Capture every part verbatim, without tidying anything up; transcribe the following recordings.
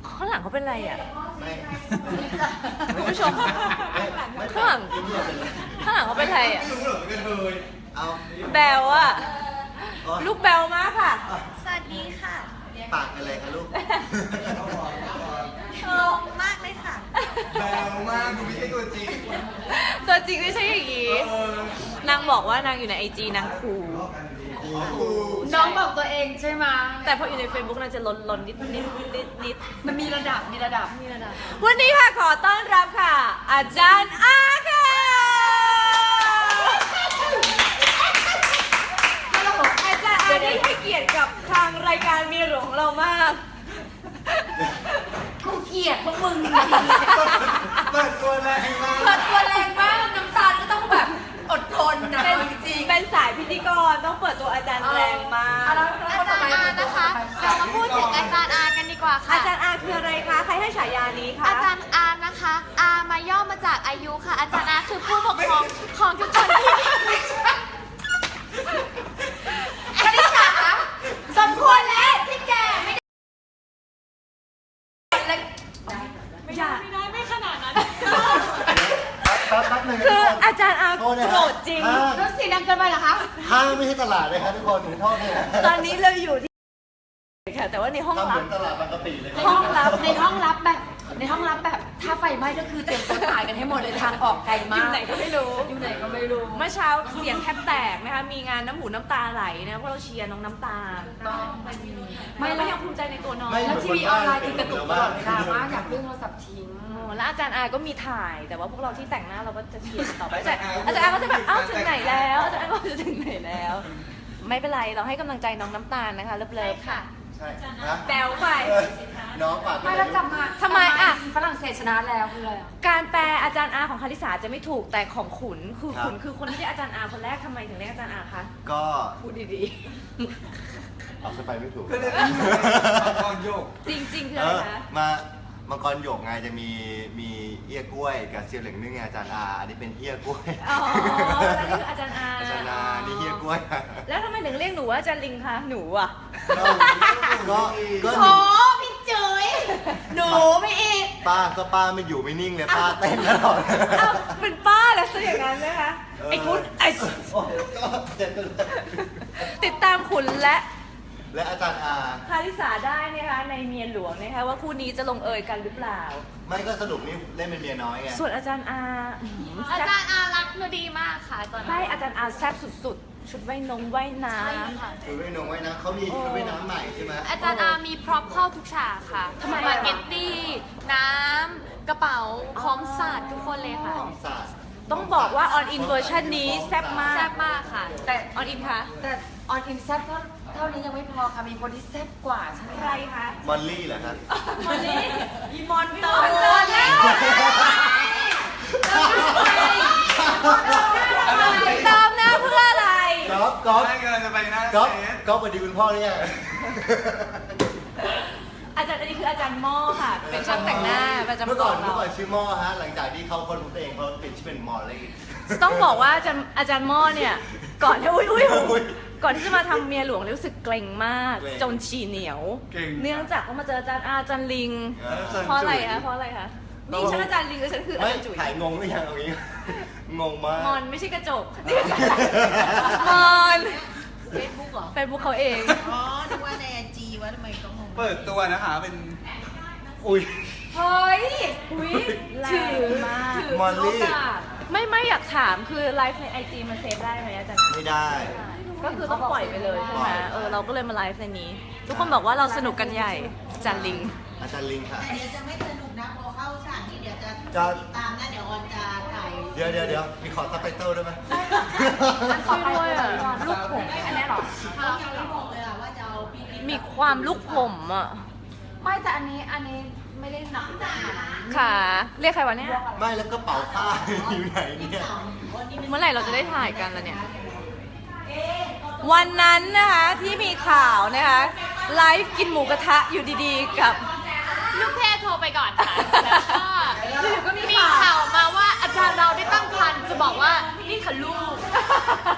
ข้างหลังเขาเป็นอะไรอ่ะไม่คุณผู้ชมข้างหลังข้างหลังเขาเป็นอะไรอ่ะไม่รู้เหรอเป็นเธอเอาแบลอ่ะลูกแบลมากค่ะสวัสดีค่ะปากอะไรคะลูกงงมากเลยค่ะแบวมากดูไม่ใช่ตัวจริงตัวจริงไม่ใช่อย่างนี้นางบอกว่านางอยู่ในไอจีนางคูลน้องบอกตัวเองใช่ไหมแต่พออยู่ใน Facebook นางจะลนลนนิดนิดนิดนิดมันมีระดับ มีระดับมีระดับวันนี้ค่ะขอต้อนรับค่ะ อาจารย์อาค่ะอาจารย์อาได้ให้เกียรติกับทางรายการเมียหลวงของเรามากกูเกลียดพวกมึงเปิดตัวแรงมากเปิดตัวแรงมากน้ำตาลก็ต้องแบบอดทนนะเป็นจริงเป็นสายพิธีกรต้องเปิดตัวอาจารย์แรงมากอาจารย์อานะคะเรามาพูดถึงอาจารย์อากันดีกว่าค่ะอาจารย์อาคืออะไรคะใครให้ฉายานี้คะอาจารย์อานะคะ อามาย่อมาจากอายุค่ะ อาจารย์อาคือผู้ปกครองของทุกคนที่คณิตศาสตร์คะสมควรแล้วที่แกไม่ได้ไม่ได้ไม่ได้ไม่ขนาดนั้นแป๊บแป๊บหนึงคืออาจารย์อาโทษนะโกรธจริงห้างรถสีดังเกินไปเหรอคะห้างไม่ใช่ตลาดเลยครับทุกคนหนูโทษเลยนะตอนนี้เราอยู่ที่ค่ะแต่ว่าในห้องทำเหลัมืบอนตลาดบางกะปิเลยในห้องลับ ในห้องลับแบบ ในห้องลับแบบ ถ้าไฟไหม้ก็คือเตรียมตัวตายกันให้หมดเลยทางออกไกลอมากยู่ไหนก็ไม่รู้อยู่ไหนก็ไม่รู้เมื่อเช้าเสียงแทบแตกนะคะ มีงานน้ำหูน้ำตาไหลนะเพราะเราเชียร์น้องน้ำตาลไม่ไม่แล้แล้ววยังภูมิใจในตัวน้องแล้วทีวีออนไลน์คือกระตุกตลอดเวลามากอยากเลื่อนโทรศัพท์ทิ้งโอ้แล้วอาจารย์อาก็มีถ่าย แต่ว่าพวกเราที่แต่งหน้าเราก็จะเชียร์ต่อไปอาจารย์อาจารย์อาก็จะแบบอ้าวถึงไหนแล้วอาจารย์อาก็จะถึงไหนแล้ว ไม่เป็นไรเราให้กำลังใจน้องน้ำตาลนะคะเลิฟๆค่ะใช่นะแบวไปเออน้องปากไม่แล้วกลับมาทำไมอะฝรั่งเศสชนะแล้วคืออะไรอะการแปลอาจารย์อาของคาริสาจะไม่ถูกแต่ของขุนคือขุนคือคนที่เรียกอาจารย์อาคนแรกทำไมถึงเรียกอาจารย์อาคะก็พูดดีเอาสไปไม่ถูกตอนโยกๆ จริงๆคือเออะไรอคะมามังกรหยกไงจะมีมีเอี้ยกล้วยกับเซียวเหลิงนึ่งไงอาจารย์อาอันนี้เป็นเอี้ยกล้วยอ๋อแล้วนี่คืออาจารย์อาอาจารย์อานี่เอี้ยกล้วยแล้วทำไมถึงเรียกหนูว่าอาจารย์ลิงคะหนูอ่ะก็ก็ก็หโอ้นูพี่จุ๋ยหนูไม่อีกป้าก็ป้าไม่อยู่ไม่นิ่งเลยป้าเต้นตลอดอ้าวเป็นป้าแล้วซะอย่างนั้นนะคะไอ้คุณไอ้โอ้ก็เจ็บกันเลยติดตามขุนและและอาจารย์อาคาริสาได้นะคะในเมียหลวงนะคะว่าคู่นี้จะลงเอยกันหรือเปล่าไม่ก็สรุปนี่เล่นเป็นเมียน้อยไงส่วนอาจารย์อาอื้อหืออาแซ่บจารย์อารักหนูดีมากค่ะอาจารย์ใช่อาจารย์อาแซ่บสุดๆ ชุดว่ายนงว่ายน้ใช่ค่ะคือไม่นงไว้นะเขามีชุดว่ายน้ำใหม่ใช่ไหมอาจารย์อามีพร็อพเข้าทุกฉากค่ะสปาเกตตี้ น้ำ กระเป๋า พร้อมศาสตร์ทุกคนเลยค่ะของศาสตร์ำต้องบอกว่าออนอินเวอร์ชันนี้แซ่บมากแซ่บมากค่ะแต่ออนอินคะแต่ออนอินแซ่บเท่าเท่านี้ยังไม่พอค่ะ มีคนที่แซ่บกว่าใช่ไหมใครคะมอลลี่เหรอครับมอนนี่อีมอนพี่มอนเติมแล้วเติมหน้าเพื่ออะไรก๊อฟก๊อฟไม่กำลังจะไปหน้าก๊อฟเซตก๊อฟสวัสดีคุณพ่อหรือยังอาจารย์อันนี้คืออาจารย์หม้อค่ะ เป็นช่างแต่งหน้าประจำเมื่อตัก่วอนของเมื่อเราก่อนชื่อหม้อฮะ หลังจากที่เขาคนของตัวเองเขาเปลี่ยนชื่อเป็นมอลลี่ต้องบอกว่าอาจารย์อาจารย์หม้อเนี่ย ก่อนที่อุ้ยอุ้ยอุ๊ยก่อนที่จะมาทำเมียหลวงรู้สึกเกรงมากเกรงจนฉี่เหนียวเก่งเนื่องจากว่ามาเจออาจารย์อาอาจารย์ลิงเออเพราะอะไรคะเพราะอะไรคะนี่ฉันอาจารย์ลิงแล้วฉันคืออาไม่จารย์จุ๋ยถ่ายงงหรือยังเอางี้ งงมากมอนไม่ใช่กระจกนี่คือกระจกมอนเฟซบุ๊กเหรอเฟซบุ๊กเขาเองอ๋อนึกว่าในไอจีว่าทำไมต้องงงเปิดตัวนะคะเป็นอุ้ยเฮ้ยอุ้ยแรถืองมากถือมอลลี่โอกาสไม่ไม่อยากถามคือไลฟ์ในไอจีมันเซฟได้ไหมอาจารย์ไม่ได้ก็คือต้องปล่อยไปเลยใช่ไหมเออเราก็เลยมาไลฟ์ในนี้ ทุกคนบอกว่าเราสนุกกันใหญ่อาจารย์ลิงอาจารย์ลิงค่ะแต่เดี๋ยวจะไม่สนุกนะพอเข้าฉากนี้เดี๋ยวจะจะติดตามนะเดี๋ยวออนจะถ่ายเดี๋ยวเดี๋ยวเดี๋ยวมีขอซับไตเติลได้ไหมช่วยด้วยอ่ะลูกผมอันนี้เหรอเขายังไม่บอกเลยอะว่าจะเอาพี่บิ๊กมีความลูกผมอ่ะไม่แต่อันนี้อันนี้ไม่ได้หนักขนาดนั้นค่ะ เรียกใครวะเนี่ยไม่แล้วกระเป๋าผ้า อยู่ไหนเนี่ยเมื่อไหร่เราจะได้ถ่ายกันล่ะเนี่ย วันนั้นนะคะที่มีข่าวนะคะไลฟ์กินหมูกระทะอยู่ดีๆกับลูกเทพโทรไปก่อนค่ะ แล้วก็อยู่ๆก็มีมีข่าวข่าวมาว่าอาจารย์เราได้ตั้งครรภ์จะบอกว่านี่ค่ะลูก ลูก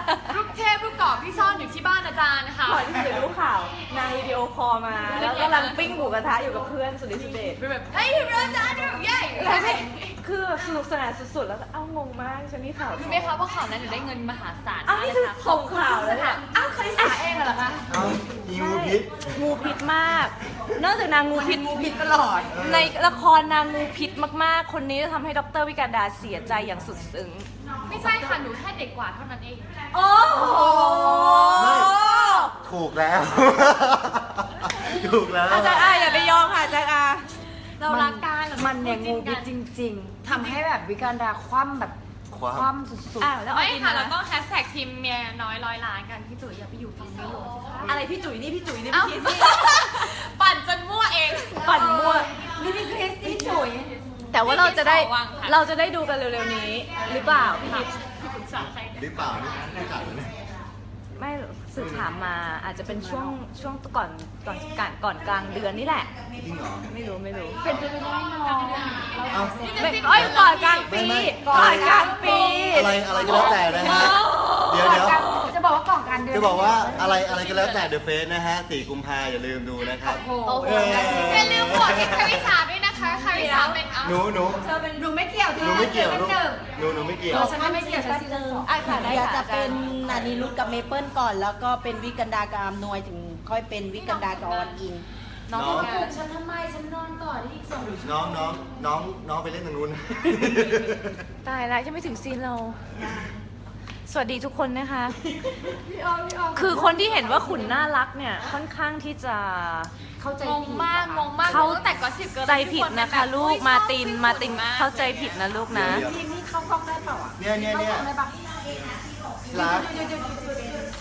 เทพลูกกรอกที่ซ่อนอยู่ที่บ้านอาจารย์นะคะก่อนที่จะรู้ข่าวนางวิดีโอคอลมา แล้วกำลังปิ้งหมูกระทะอยู่กับเพื่อนสุดฤทธิ์สุดเดชเป็นแบบเฮ้ยอาจารย์ดูใหญ่แล้วไม่คือสนุกสนานสุดๆ แล้วก็เอ้างงมากฉันมีข่าวรู้ไหมคะว่าข่าวนั้นหนูได้เงินมหาศาลอ้าวนี่คือส่งข่าวแล้วเนี่ยอ้าวคาริสาเองเหรอคะเอามีงูพิษงูพิษมาก นอกจากนางงูพิษงูพิษตลอดในละครนางงูพิษมากๆ คนนี้จะทำให้ดรวิการดาเสียใจอย่างสุดซึ้งไม่ใช่ค่ะหนูแค่เด็กกว่าเท่านั้นเองโอ้โหไม่ถูกแล้ว ถูกแล้วอาจารย์อาอย่าไปยอมค่ะอาจารย์อาเรารักกันมันเนี่ยงูพิษจริง ๆทำให้แบบวิการดาคว่ำแบบคว่ำคว่ำสุดอ้าวแล้วไม่เอาอินค่ะนะแล้วก็แฮชแท็กทีมเมียน้อยร้อยล้านกันพี่จุ๋ยอย่าไปอยู่ฝั่งนี้หลวงสิคะอะไรพี่จุ๋ยนี่พี่จุ๋ยนี่เอ้าพี่คิดปั่นจนมั่วเองปั่นมั่วๆนี่พี่คริสนี่จุ๋ยแต่ว่าเราจะได้พี่คิดขอวางค่ะเราจะได้ดูกันเร็วๆนี้ หรือเปล่าพี่คิดพี่ปรึกษาใครหรือเปล่านี่ไม่จัดเลยเนี่ยไม่สืบถามมาอาจจะเป็นช่วงช่วงก่อนก่อนก่อนก่อนกลางเดือนนี่แหละจริงเหรอไม่รู้ไม่รู้เป็นไปไม่ได้น้องเอาไม่เอ้ยก่อนกลางปีไม่ไม่ก่อนกลางปีอะไรอะไรก็แล้วแต่นะฮะ เดี๋ยวเดี๋ยวจะบอกว่าก่อนการเดือนจะบอกว่าอะไรอะไรก็แล้วแต่เดอะเฟสนะฮะสี่กุมภาอย่าลืมดูนะครับโอ้โหเอออย่าลืมโหวตให้คาริสาด้วยนะคะคาริสาเป็นเอาหนูหนูเธอเป็นดูไม่เกี่ยวหนูไม่เกี่ยวฉันลูกหนึ่งหนูหนูไม่เกี่ยวเออฉันไม่เกี่ยวฉันซีซั่นสองอ่ะค่ะได้เดี๋ยวค่ะจะเป็นนานีรุตกับเมเปิลก่อน แล้วก็เป็นวิกันดากับอำนวยถึงค่อยเป็นวิกันดากับออนอิงน้องน้องทำงาปลุนกฉันทำไมฉันนอนต่อที่อีกสองน้องน้องน้องน้องไปเล่นทางนู้นตายแล้วยังไม่ถึงซีนเรา สวัสดีทุกคนนะคะพี่ออมพี่ออมคือคนที่เห็นว่าขุนน่ารักเนี่ยค่อนข้างที่จะเข้าใจงงผิดมากงงมากเข้าตั้งแต่ก็สิบเกิร์ลใจผิดนะคะลูกมาตินมาตินเข้าใจผิดนะลูกนะเดี๋ยวทีมนี้เข้ากล้องได้เปล่าอ่ะเนี่ยเนี่ยเนี่ยเข้ากล้องได้ปะรักหยุดหยุดหยุดหยุดหยุด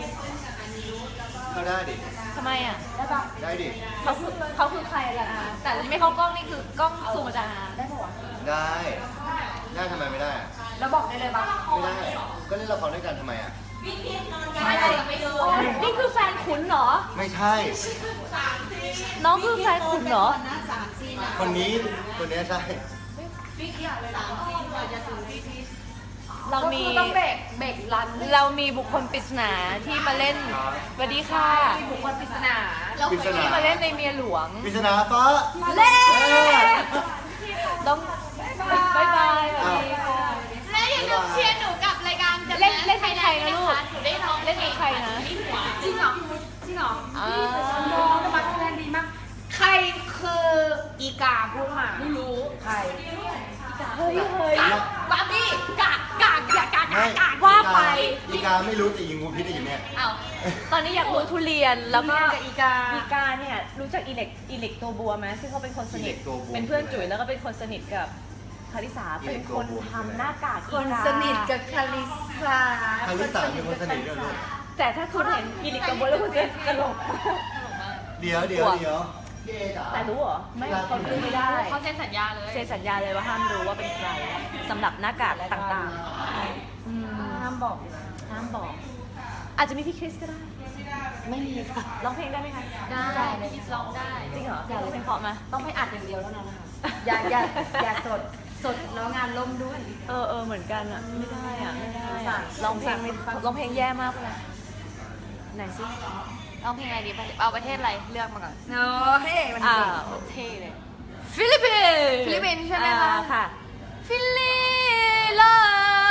เข้าได้ดิทำไมอ่ะได้ปะได้ดิเขาคือเขาคือใครล่ะอาแต่ไม่เข้ากล้องนี่คือกล้องซูมอาจารย์อาได้ปะวะได้ ได้ทำไมไม่ได้อะแล้วบอกได้เลยปะไม่ได้ ก็เล่นละครด้วยกันทำไมอ่ะไม่นี่คือแฟนขุนเหรอไม่ใช่น้องคือแฟนขุนเหรอนะสามซีนอะคนนี้คนนี้ใช่สามซีนกว่าจะถึงพี่พีชเราก็มีคือต้องเบรกเบรกรันเรามีบุคคลปริศนาที่มาเล่นสวัสดีค่ะบุคคลปริศนาปริศนาที่มาเล่นในเมียหลวงปริศนาฟ้าเล่เออต้องบายบายสวัสดีค่ะและอย่าลืมเชียร์หนูกับรายการเล่นเล่นเป็นใครนะลูกหนูได้ร้องเล่นเป็นใครนะจริงเหรอจริงเหรออ่าน้องแต่มาแสดงดีมาก ใครคืออีกาพูดมาไม่รู้ใครเฮ้ยเฮ้ยบาร์บี้กากกากกากกากไม่กากว่าไปอีกาไม่รู้แต่ยิงงูพิษได้อยู่เนี่ยอ้าวตอนนี้อยากรู้ทุเรียนแล้วก็ทุเรียนกับอีกาอีกาเนี่ยรู้จักอีเล็กอีเล็กตัวบัวไหมซึ่งเขาเป็นคนสนิทอีเล็กตัวบัวเป็นเพื่อนจุ๋ยแล้วก็เป็นคนสนิทกับคาริสาอีเป็เล็นกคตัวน บัวทำหน้ากากคนอีกาสนิทกับคาริสาคาริสาเป็นคนสนิทด้วยลูกแต่ถ้าคุณเห็นอีเล็กตัวบัวแล้วคุณจะตลกเดี๋ยวเดี๋ยวเดี๋ยวพี่เอจ๋าแต่รู้เหรอไม่เขาดูไม่ได้เขาเซ็นสัญญาเลยเซ็นสัญญาเลยว่าห้ามรู้ว่าเป็นใครสำหรับหน้ากากต่างๆอืมห้ามบอกนะห้ามบอก อาจจะมีพี่คริสก็ได้ไม่มีค่ะร้องเพลงได้ไหมคะได้พี่ร้องได้จริงเหรออยากร้องเพลงเพราะไหมต้องไปอัดอย่างเดียวแล้วนะคะอย่าอย่าอย่าสดสดแล้วงานล่มด้วยเออเออเหมือนกันอะไม่ได้อะไม่ได้สงสาอะรร้องเพลงไม่สงสารร้องเพลงแย่มากเลยไหนสิร้องเพลงอะไรดีเอาประเทศอะไรเลือกมาก่อนเนาะเฮ้ยมันอ่าเก่งเท่เลยฟิลิปปินส์ฟิลิปปินส์ใช่ไหมคะอ่าค่ะฟิลิลา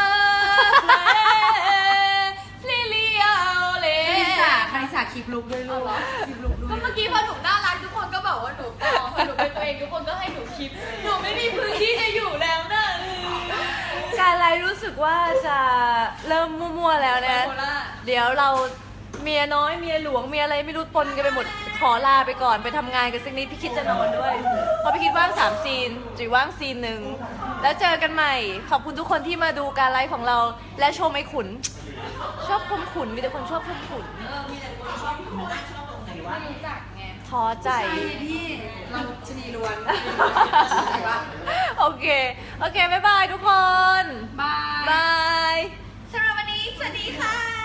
ฟิลิโอเลคาริสาคาริสาคลิปลุกด้วยลูกคลิปลุกด้วก็ยเมื่อกี้พอหนูน่ารักทุกคนก็บอกว่าหนูปลอมพอหนูเป็นตัวเองทุกคนก็ให้หนูคิดหนูไม่มีพื้นที่จะอยู่แล้วนะการไลฟ์รู้สึกว่าจะเริ่มมั่วๆแล้วนะไบโพล่าเดี๋ยวเราเมียน้อยเมียหลวงเมียอะไรไม่รู้ปนกันไปหมดขอลาไปก่อนไปทำงานกันสักนิดพี่คิดจะนอนด้วยเพราะพี่คิดว่างสามซีนจุ๋ยว่างซีนหนึ่งแล้วเจอกันใหม่ ขอบคุณทุกคนที่มาดูการไลฟ์ของเรา และชมไอ้ขุน ชอบชมขุนมีแต่คนชอบชมขุนไม่รู้จักไงท้อใจใช่พี่เราชนีล้วนโอเค โอเค บ๊ายบายทุกคนบายบายสำหรับวันนี้ สวัสดีค่ะ